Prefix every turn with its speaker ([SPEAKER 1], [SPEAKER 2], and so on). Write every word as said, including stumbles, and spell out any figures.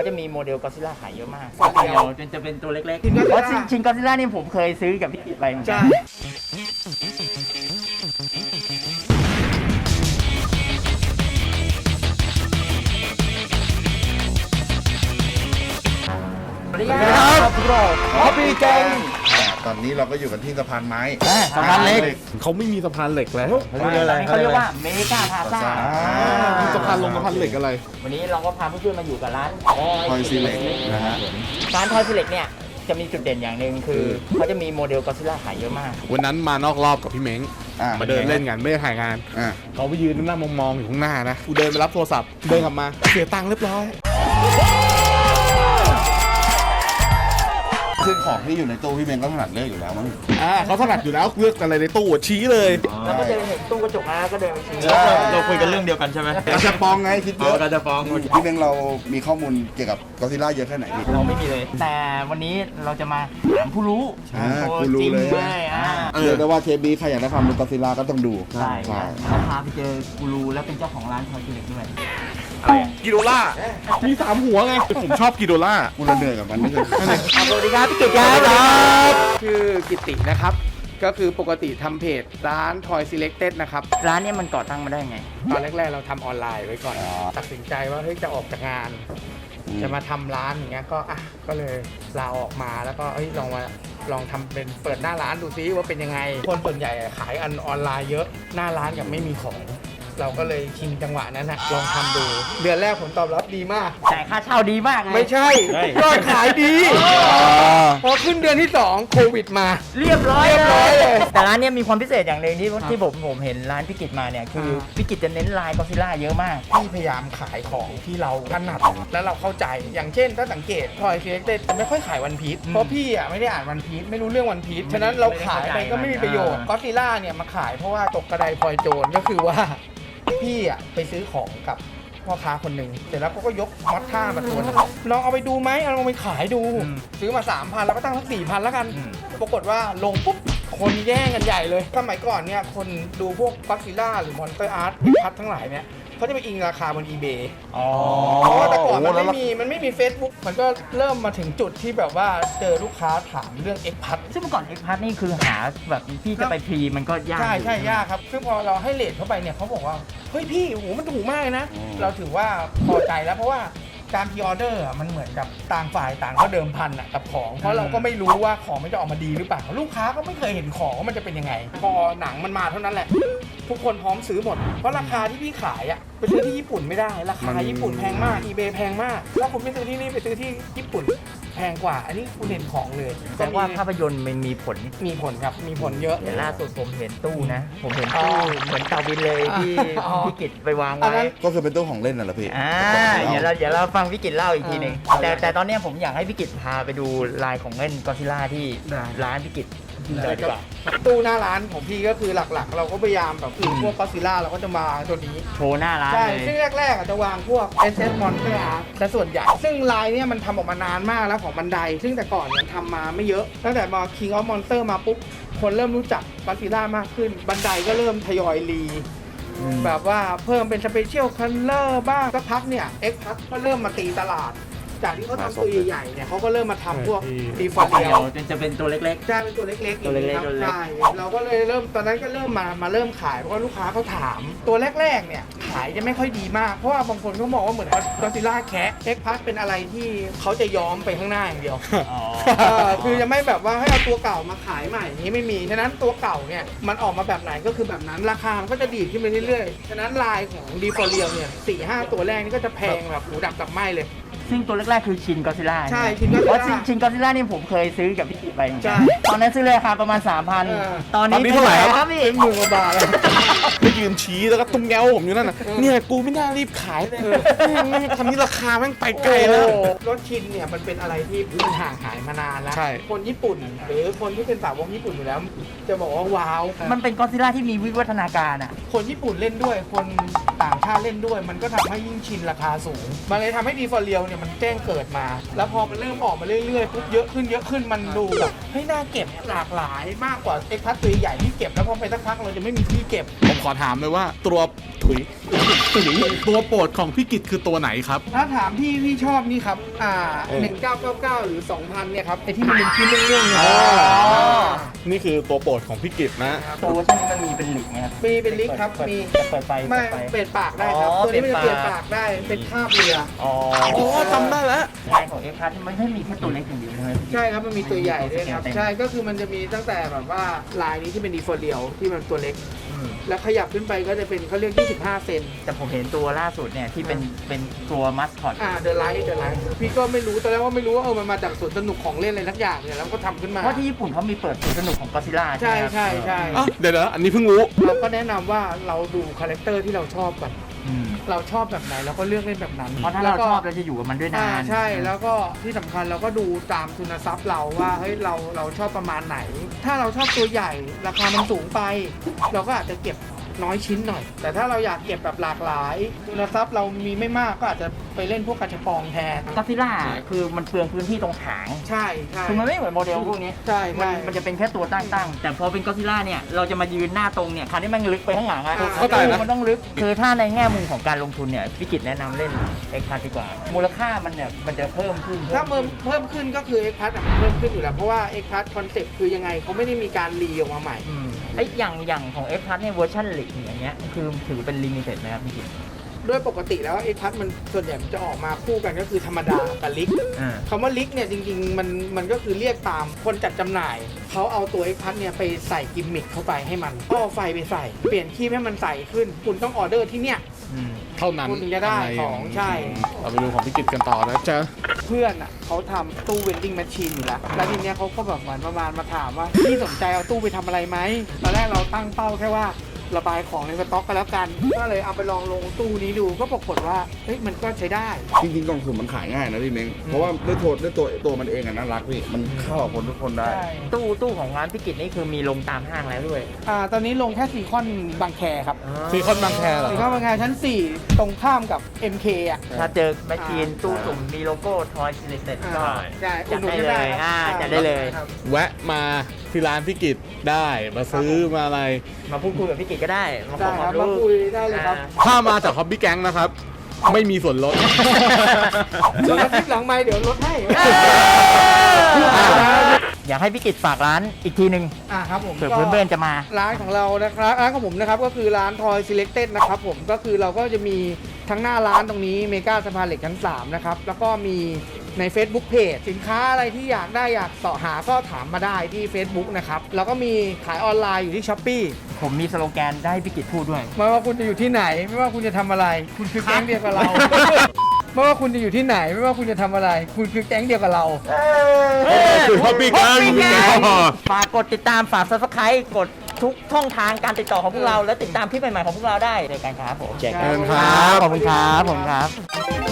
[SPEAKER 1] จะมีโมเดลก็อดซิลล่าขายเยอะมาก
[SPEAKER 2] ฟอร์เรียล
[SPEAKER 1] จนจะเป็นตัวเล็กๆ
[SPEAKER 2] ชินก็อดซิลล่า
[SPEAKER 1] เพราะชินก็อดซิลล่านี่ผมเคยซื้อกับพี่กิตไปเหมือนกั
[SPEAKER 2] ใช่
[SPEAKER 1] นสวัสดีครับพวกเรา
[SPEAKER 2] ฮอปปี้แกง
[SPEAKER 3] ตอนนี้เราก็อยู่กันที่สะพานไม้
[SPEAKER 1] สะพานเล็ก
[SPEAKER 4] เขาไม่มีสะพานเหล็กแล้ว
[SPEAKER 1] ตอนนี้เขาเรียกว่าเมกาพาซ่า
[SPEAKER 4] มีสะพานลงสะพานเหล็กอะไร
[SPEAKER 1] วันนี้เราก็พาเพื่อนๆมาอยู่กับร้าน
[SPEAKER 3] ทอยซีเล็กนะฮะ
[SPEAKER 1] ร้านทอยซีเล็กเนี่ยจะมีจุดเด่นอย่างหนึ่งคือเขาจะมีโมเดลก็อดซิลล่าขายเยอะมาก
[SPEAKER 4] วันนั้นมานอกรอบกับพี่เม้ง
[SPEAKER 3] อ่า
[SPEAKER 4] มาเดินเล่นกันไม่ได้ถ่ายงาน
[SPEAKER 3] อ่า
[SPEAKER 4] เขาไปยืนนั่งมองๆอยู่ข้างหน้านะกูเดินไปรับโทรศัพท์เดินกลับมาเสียตังค์เรียบร้อย
[SPEAKER 3] ซึ่งของที่อยู่ในตู้พี่เมงก็ถนัดเลือกอยู่แล้วมั้ง
[SPEAKER 4] อ่าเขาถนัดอยู่แล้วเลือกอะไรในตู้ชี้เลย
[SPEAKER 1] แล้วก็เดินเห็นตู้กระจกนะก็เดินไปชี้
[SPEAKER 5] เราคุยกันเรื่องเดียวกันใช่ไหม
[SPEAKER 3] กระจะปองไงคิดเย
[SPEAKER 5] อ๋อ
[SPEAKER 3] อะ
[SPEAKER 5] การจะฟ้อง
[SPEAKER 3] พี่เมงเรามีข้อมูลเกี่ยวกับก็อดซิลล่าเยอะแค่ไหนพี่
[SPEAKER 1] เราไม่มีเลย แต่วันนี้เราจะมาถามผู้รู้
[SPEAKER 3] อ่า
[SPEAKER 1] ตัว
[SPEAKER 3] ผู้รู้
[SPEAKER 1] จริง
[SPEAKER 3] เลย
[SPEAKER 1] เลยอ่า
[SPEAKER 3] เรียกได้ว่าเทปนี้ใครอยากได้ความรู้ก็อดซิลล่าก็ต้องดู
[SPEAKER 1] ใช่
[SPEAKER 3] ใช่
[SPEAKER 1] เราพาไปเจอกูรูแล้วเป็นเจ้าของร้านทอยซีเล็กด้วย
[SPEAKER 4] กิโดล่ามีสามหัวไงผมชอบกิโดล่า
[SPEAKER 3] กูละเหนื่อยกับมันไม่เคย
[SPEAKER 1] สวัสดีครับพี่กิตครับ
[SPEAKER 2] ชื่อกิตินะครับ ก็คือปกติทำเพจร้าน Toy Selected นะครับ
[SPEAKER 1] ร้านเนี้มันก่อตั้งมาได้ไง
[SPEAKER 2] ตอนแรกๆเราทำออนไลน์ไว้ก่อน ตัดสินใจว่าเฮ้ยจะออกจากงาน จะมาทำร้านอย่างเงี้ยก็อ่ะก็เลยลาออกมาแล้วก็เอ้ยลองมาลองทำเป็นเปิดหน้าร้านดูซิว่าเป็นยังไง คนส่วนใหญ่ขายอันออนไลน์เยอะหน้าร้านยังไม่มีของ เราก็เลยชิงจังหวะนั้นนะลองทำดู เดือนแรกผลตอบรับดีมาก
[SPEAKER 1] แต่ค่าเช่าดีมากเลย
[SPEAKER 2] ไม่ใช่ยอดขายดีพอขึ้นเดือนที่สองโควิดมา
[SPEAKER 1] เรียบร้อย
[SPEAKER 2] เรียบร้อยเลย
[SPEAKER 1] แต่ร้านเนี้ยมีความพิเศษอย่างหนึ่งที่ที่ผมผมเห็นร้านพี่กิตมาเนี่ยคือพี่กิตจะเน้นลายก็อดซิลล่าเยอะมาก
[SPEAKER 2] พี่พยายามขายของที่เราถนัดแล้วเราเข้าใจอย่างเช่นถ้าสังเกตทอยเซ็กเต็ดจะไม่ค่อยขายวันพีชเพราะพี่อ่ะไม่ได้อ่านวันพีชไม่รู้เรื่องวันพีชฉะนั้นเราขายไปก็ไม่มีประโยชน์ก็อดซิลล่าเนี่ยมาขายเพราะว่าตกกระไดพลอยโจรก็คือว่าพี่อ่ะไปซื้อของกับพ่อค้าคนหนึ่งเสร็จแล้วเขาก็ยกมอสท่ามาตัวหนึงลองเอาไปดูไหมเอาลองไปขายดู ซื้อมา สามพัน แล้วก็ตั้งสักสี่พันแล้วกัน ปรากฏว่าลงปุ๊บคนแย่งกันใหญ่เลยสมัยก่อนเนี่ยคนดูพวกก็อดซิลล่าหรือมอนสเตอร์อาร์ตพัดทั้งหลายเนี่ยเขาจะไปอิงราคาบน eBay
[SPEAKER 1] อ๋อ
[SPEAKER 2] เพราะว่าแต่ก่อนมันไม่มีมันไม่มี Facebook มันก็เริ่มมาถึงจุดที่แบบว่าเจอลูกค้าถามเรื่อง X พัด
[SPEAKER 1] ซึ่งเมื่อก่อนเอ็กพัทนี่คือหาแบบพี่จะไปพรีมันก็ยาก
[SPEAKER 2] ใช่
[SPEAKER 1] อยู่
[SPEAKER 2] ใช่ยากครับ ซึ่งพอเราให้เลทเข้าไปเนี่ยเขาบอกว่า เฮ้ยพี่โอ้โหมันถูกมากเลยนะ เราถือว่าพอใจแล้วเพราะว่าการพรีออเดอร์อะมันเหมือนกับต่างฝ่ายต่างก็เดิมพันอะกับของ เพราะเราก็ไม่รู้ว่าของมันจะออกมาดีหรือเปล่า ลูกค้าก็ไม่เคยเห็นของว่ามันจะเป็นยังไง พอหนังมันมาเท่านั้นแหละ ทุกคนพร้อมซื้อหมด เพราะราคาที่พี่ขายอะไปซื้อที่ญี่ปุ่นไม่ได้ ราคาญี่ปุ่นแพงมาก eBay แพงมาก ถ้าคุณไม่ซื้อที่นี่ไปซื้อที่ญี่ปุ่นแพงกว่า อันนี้คุณเห็นของเลย
[SPEAKER 1] แต่ว่าภาพยนตร์มันมีผล
[SPEAKER 2] มีผลครับ มีผลเยอะ
[SPEAKER 1] เดี๋ยวล่าสุดผมเห็นตู้นะ ผมเห็น
[SPEAKER 2] อ๋
[SPEAKER 1] ตู้
[SPEAKER 2] อ
[SPEAKER 1] เหมือนเตาบินเลยที่
[SPEAKER 2] อ๋อ
[SPEAKER 1] พี่กิตไปวาง
[SPEAKER 2] อัน
[SPEAKER 1] ไว้
[SPEAKER 2] นั้น
[SPEAKER 3] ก็คือเป็นตู้ของเล่นน่ะเหรอพี่
[SPEAKER 1] อ่าเดี๋ยวเราเดี๋ยวเราฟังพี่กิตเล่าอีกทีหนึ่ง
[SPEAKER 2] อ่า
[SPEAKER 1] แต่แต่ตอนเนี้ยผมอยากให้พี่กิตพาไปดูลายของเล่นก็อดซิลล่าที่
[SPEAKER 2] ได้
[SPEAKER 1] ร้านพี่กิตเลยดีกว่า
[SPEAKER 2] ตู้หน้าร้านของพี่ก็คือหลักๆ เราก็พยายามแบบคือพวกก็อดซิลล่าเราก็จะมาตัวนี้
[SPEAKER 1] โชว์หน้าร้าน
[SPEAKER 2] ใช่
[SPEAKER 1] เลย
[SPEAKER 2] ซึ่งแรกๆอาจจะวางพวก เอส เอส Monster Art แต่ส่วนใหญ่ ซึ่งลายเนี่ยมันทำออกมานานมากแล้วของบันได ซึ่งแต่ก่อนเนี่ยทำมาไม่เยอะ ตั้งแต่มา King of Monster มาปุ๊บ คนเริ่มรู้จักก็อดซิลล่ามากขึ้น บันไดก็เริ่มทยอยรี แบบว่าเพิ่มเป็นสเปเชียลคัลเลอร์บ้างสักพักเนี่ย X พัทก็เริ่มมาตีตลาด จากที่เขาทำตัวใหญ่ๆเนี่ยเขาก็เริ่มมาทำพวกดีฟอร์เรียล
[SPEAKER 1] จนจะเป็นตัวเล็ก
[SPEAKER 2] ใช่เป็นตัวเล็กๆ
[SPEAKER 1] ตัวเล็กๆ
[SPEAKER 2] อย่าง
[SPEAKER 1] ตัว
[SPEAKER 2] นี้
[SPEAKER 1] เล็ก
[SPEAKER 2] ครับใช่เราก็เลยเริ่มตอนนั้นก็เริ่มมามาเริ่มขายเพราะว่าลูกค้าเขาถาม ตัวแรกๆเนี่ยขายจะไม่ค่อยดีมากเพราะว่าบางคนเขาบอกว่าเหมือนก็อดซิลล่าแคะเอ็กพัสเป็นอะไรที่เขาจะย้อมไปข้างหน้าอย่างเดียว
[SPEAKER 1] ๆอ๋อ
[SPEAKER 2] เออคือจะไม่แบบว่าให้เอาตัวเก่ามาขายใหม่อย่างนี้ไม่มีฉะนั้นตัวเก่าเนี่ยมันออกมาแบบไหนก็คือแบบนั้นราคามันก็จะดีดขึ้นไปเรื่อยๆฉะนั้นลายของดีฟอร์เรียลเนี่ยสี่ห้าตัวแรกนี่ก็จะแพงแบบหูดับกับไหมเลย
[SPEAKER 1] ซึ่งตัวแรกๆคือชินก็อดซิลล่า
[SPEAKER 2] ใช่ Shin Godzilla
[SPEAKER 1] เพราะชินก็อดซิลล่านี่ผมเคยซื้อกับพี่กิตไปเหมือน
[SPEAKER 2] ใช่
[SPEAKER 1] กันตอนนั้นซื้อเลยราคาประมาณ สามพัน
[SPEAKER 2] เออ
[SPEAKER 1] ตอนนี้
[SPEAKER 4] ตอนนี้เท่าไหร่ครับ
[SPEAKER 1] ครับพี่
[SPEAKER 2] เป็นหมื่นกว่าบาทแล้ว
[SPEAKER 4] ไปยืนชี้แล้วก็ตุ้มแง้วผมอยู่นั่นน่ะเนี่ยกูไม่น่ารีบขายเลยแม่งทำนี้ราคาแม่งไปไกลแล้ว
[SPEAKER 2] โอ้โหรถชินเนี่ยมันเป็นอะไรที่มันห่างหายมานานแล้ว
[SPEAKER 4] ใช่
[SPEAKER 2] คนญี่ปุ่น หรือคนที่เป็นสาวกญี่ปุ่นอยู่แล้ว จะบอกว่าว้าว
[SPEAKER 1] มันเป็นก็อดซิลล่าที่มีวิวัฒนาการอ่ะ
[SPEAKER 2] คนญี่ปุ่นเล่นด้วย คนต่างชาติเล่นด้วย มันก็ทำให้ยิ่งชินราคาสูง มันเลยทำให้ดีฟอร์เรียลเนี่ยเนี่ยมันแจ้งเกิดมา แล้วพอมันเริ่มออกมาเรื่อยๆปุ๊บเยอะขึ้นเยอะขึ้นมันดูแบบเฮ้ยน่าเก็บหลากหลายมากกว่าเอ็กพัทตัวใหญ่ที่เก็บแล้วพอไปสักพักเราจะไม่มีที่เก็บ
[SPEAKER 4] ผมขอถามเลยว่าตัวถุยถุยตัวโปรดของพี่กิตคือตัวไหนครับ
[SPEAKER 2] ถ้าถามพี่พี่ชอบนี่ครับอ่าหนึ่งเก้าเก้าเก้าหรือสองพันเนี่ยครับไอที่มันเป็นชิ้นเรื่องๆเนี่ย
[SPEAKER 4] อ๋อ นี่คือตัวโปรดของพี่กิตนะ
[SPEAKER 1] ตัวที่นี่มันมีเป็นหลิกไหมครับ
[SPEAKER 2] มีเป็นลิกครับมี
[SPEAKER 1] เปิดไฟ
[SPEAKER 2] ไม่
[SPEAKER 1] เปิดไฟ
[SPEAKER 2] เปลี่ยนปากได้ครับ
[SPEAKER 1] อ๋อ
[SPEAKER 2] ตัวนี้มันจะเป
[SPEAKER 1] เปลี่
[SPEAKER 2] ลี่ย
[SPEAKER 1] ย
[SPEAKER 2] น
[SPEAKER 1] น
[SPEAKER 2] ปา
[SPEAKER 1] ปาก ก
[SPEAKER 2] ได้เป็นคราบเรือ
[SPEAKER 1] อ๋อ
[SPEAKER 4] โอ้จำได้แล้ว
[SPEAKER 1] ลายของเอ็กซ์พาร์ทมันไม่มีแค่ตัวเล็กอย่างเดียวใช่ไหม
[SPEAKER 2] ใช่ครับมันมีตัวใหญ่ด้วยครับ
[SPEAKER 1] เต็ม
[SPEAKER 2] ใช่ก็คือมันจะมีตั้งแต่แบบว่าลายนี้ที่เป็นดีฟอร์เรียลที่มันตัวเล็ก
[SPEAKER 1] อืม
[SPEAKER 2] แล้วขยับขึ้นไปก็จะเป็นเขาเรียกยี่สิบห้าเซน
[SPEAKER 1] แต่ผมเห็นตัวล่าสุดเนี่ยที่เป็นเป็นตัวมัสคอต
[SPEAKER 2] อ่าเดอะไลท์เดอะไลท์พี่ก็ไม่รู้ตอนแรกว่าไม่รู้ว่าเออมันมาจากสวนสนุกของเล่นอะไรทักอย่างเนี่ยแล้วก็ทำขึ้นมา
[SPEAKER 1] เพราะที่ญี่ปุ่นเขามีเปิดสวนสนุกของก็ซิล่า
[SPEAKER 2] ใช่
[SPEAKER 1] ไหมครับ
[SPEAKER 2] ใช่ใช่
[SPEAKER 4] อ่ะเดี๋ยวนะอันนี้เพิ่งรู้
[SPEAKER 2] เราก็แนะนำว่าเราดูคาแรคเตอร์ที่เราชอบก่อน
[SPEAKER 1] อืม
[SPEAKER 2] เราชอบแบบไหนเราก็เลือกเล่นแบบนั้น
[SPEAKER 1] เพราะถ้า
[SPEAKER 2] แล้ว
[SPEAKER 1] เรา
[SPEAKER 2] ก็
[SPEAKER 1] ชอบเราจะอยู่กับมันด้วยนา
[SPEAKER 2] อ่าน ใช่แล้วก็ที่สำคัญเราก็ดูตามทุนทรัพย์เราว่าเฮ้ยเราเราชอบประมาณไหน ถ้าเราชอบตัวใหญ่ราคามันสูงไป เราก็อาจจะเก็บน้อยชิ้นหน่อย แต่ถ้าเราอยากเก็บแบบหลากหลายทุนทรัพย์เรามีไม่มากก็อาจจะไปเล่นพวกกระชับปองแทน
[SPEAKER 1] ก็ซิล่าคือมันเปลืองพื้นที่ตรงหาง
[SPEAKER 2] ใช่ใช่
[SPEAKER 1] คือมันไม่เหมือนโมเดลพวกนี้
[SPEAKER 2] ใช่
[SPEAKER 1] มัน
[SPEAKER 2] ใช่
[SPEAKER 1] มันจะเป็นแค่ตัวตั้งๆ แต่พอเป็นก็ซิล่าเนี่ย เราจะมายืนหน้าตรงเนี่ยคราวนี้มันลึกไปข้างหลังอะ
[SPEAKER 4] เข้าใจนะ
[SPEAKER 1] มันต้องลึก คือถ้าในแง่มุมของการลงทุนเนี่ยพิกิตแนะนำเล่นเอ็กพาร์ดีกว่า มูลค่ามันเนี่ยมันจะเพิ่มขึ้น
[SPEAKER 2] ถ้าเพิ่มเพิ่มขึ้นก็คือ X Plus อะเพิ่มขึ้นอยู่แล้วเพราะว่า X Plus คอนเซ็ปต์คือยังไงเขาไม่ได้มีการรีออกมาใหม่
[SPEAKER 1] อืมไอ้อย่างอย่างของเอ็กพาร์เนี่ยเวอร์ชันหลีกอย่างเงี้ยคือถือเป็นลิมิเต็ดไหมครับพี่กิต
[SPEAKER 2] ด้วยปกติแล้ว X Plus มันส่วนใหญ่มันจะออกมาคู่กันก็คือธรรมดากับลิก
[SPEAKER 1] อ่า
[SPEAKER 2] คำว่าลิกเนี่ยจริงๆมันมันก็คือเรียกตามคนจัดจำหน่าย เขาเอาตัว X Plus เนี่ยไปใส่กิมมิคเข้าไปให้มันก็เอาไฟไปใส่ เปลี่ยนคีบให้มันใสขึ้น คุณต้องออเดอร์ที่เนี่ย
[SPEAKER 1] อืม
[SPEAKER 4] เท่านั้น
[SPEAKER 2] คุณถึงจะได้ของใช่
[SPEAKER 4] เราไปดูของพี่กิตกันต่อนะจ๊ะ
[SPEAKER 2] เพื่อนอ่ะเขาทำตู้เวนดิ้งแมชชีนอยู่แล้ว แล้วทีเนี้ยเขาก็แบบเหมือนประมาณมาถามว่าพี่สนใจเอาตู้ไปทำอะไรไหมตอนแรกเราตั้งเป้าแค่ว่าระบายของในสต็อกกันแล้วกัน ก็เลยเอาไปลองลงตู้นี้ดูก็ปรากฏว่าเฮ้ยมันก็ใช้ได้
[SPEAKER 3] จริงๆกล่องสุ่มมันขายง่ายนะพี่เม้งเพราะว่าด้วยตัวด้วยตัวตัวมันเองอะน่ารักพี่มันเข้ากับคนทุกคนได้
[SPEAKER 1] ตู้ตู้ของร้านพิกิตนี่คือมีลงตามห้างแล้วด้วย
[SPEAKER 2] อ่าตอนนี้ลงแค่ซีคอนบางแคครับ
[SPEAKER 4] ซีคอนบางแคเหรอ
[SPEAKER 2] ซีคอนบางแคชั้น สี่ ตรงข้ามกับ เอ็ม เค อ่ะ
[SPEAKER 1] ถ้าเจอแมชชีนตู้สุ่มมีโลโก้ทอยซิลิเต็ดก็
[SPEAKER 2] ใช่
[SPEAKER 1] จัดได้เลยอ่าจัดได้เลย
[SPEAKER 2] ครับ
[SPEAKER 4] แวะมาที่ร้านพี่กิตได้มาซื้อมาอะไร
[SPEAKER 1] มาพูดคุยกับพี่กิตก็ได้ มาข
[SPEAKER 2] ได้
[SPEAKER 1] อค
[SPEAKER 2] คว
[SPEAKER 1] า
[SPEAKER 2] รับ
[SPEAKER 1] ม
[SPEAKER 2] มา
[SPEAKER 1] รู้
[SPEAKER 2] คุยได้เลยครับ
[SPEAKER 4] ถ้ามาจากฮอบบี้แก๊งนะครับ ไม่มีส่วนลด
[SPEAKER 2] เดี๋ยวอาทิตย์หลังไม่เดี๋ยวลดให้
[SPEAKER 1] อยากให้พี่กิตฝากร้านอีกทีหนึ่ง
[SPEAKER 2] อ่าครับผม
[SPEAKER 1] เผื่อเพื่อนๆจะมา
[SPEAKER 2] ร้านของเรานะครับร้านของผมนะครับก็คือร้าน Toy Selected นะครับผมก็คือเราก็จะมีทั้งหน้าร้านตรงนี้เมกาสะพานเหล็กชั้นสามนะครับแล้วก็มีใน Facebook Page สินค้าอะไรที่อยากได้อยากเสาะหาก็ถามมาได้ที่ Facebook นะครับแล้วก็มีขายออนไลน์อยู่ที่ Shopee
[SPEAKER 1] ผมมีสโลแกนได้ให้พี่กิตพูดด้วย
[SPEAKER 2] ไม่ว่าคุณจะอยู่ที่ไหน ไม่ว่าคุณจะทำอะไร คุณคือแก๊งเดียวกับเรา ไม่ว่าคุณจะอยู่ที่ไหน ไม่ว่าคุณจะทำอะไร คุณคือแก๊งเดียวกับเรา
[SPEAKER 4] คือฮอบบี้แก๊ง
[SPEAKER 1] ฝากกดติดตามฝาก Subscribe กดทุกช่องทางการติดต่อของพวกเรา และติดตามคลิปใหม่ๆของพวกเราได้ในการครับผม
[SPEAKER 2] เจอกัน
[SPEAKER 4] ครับ
[SPEAKER 1] ขอบคุณครับผมครับ